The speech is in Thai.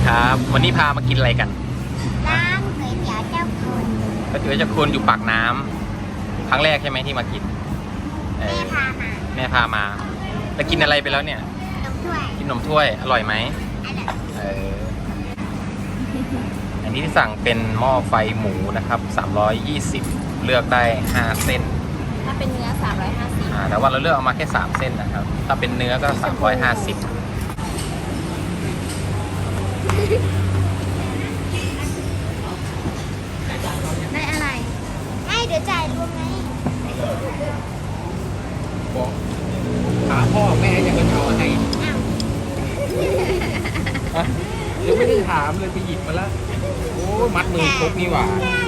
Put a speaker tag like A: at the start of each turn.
A: ครับวันนี้พามากินอะไรกัน
B: ร้านก๋วยเตี๋ยวเจ้าคุณ
A: ก๋วยเตี๋ยวเจ้าคุณอยู่ปากน้ำครั้งแรกใช่ไหมที่มากินเอ
B: แม่
A: อ
B: พามา
A: แม่พามาแล้วกินอะไรไปแล้วเนี่ย
B: น้ำถ้วย
A: กินขนมถ้วยอร่อยไหม
B: อร่อย
A: เอออันนี้ที่สั่งเป็นหม้อไฟหมูนะครับ320เลือกได้5เส้น
C: ถ้าเป็นเนื้อ350
A: แต่ว่าเราเลือกเอามาแค่3เส้นนะครับถ้าเป็นเนื้อก็350
B: ได้อะไรให้เดี๋ยวจ่ายรวมไง
A: บอกถามพ่อแม่ยังจะเอาให้
B: อ้าว
A: ยังไม่ได้ถามเลยไปหยิบมาแล้วโอ้มัดมือครบนี่หว่า
B: ได้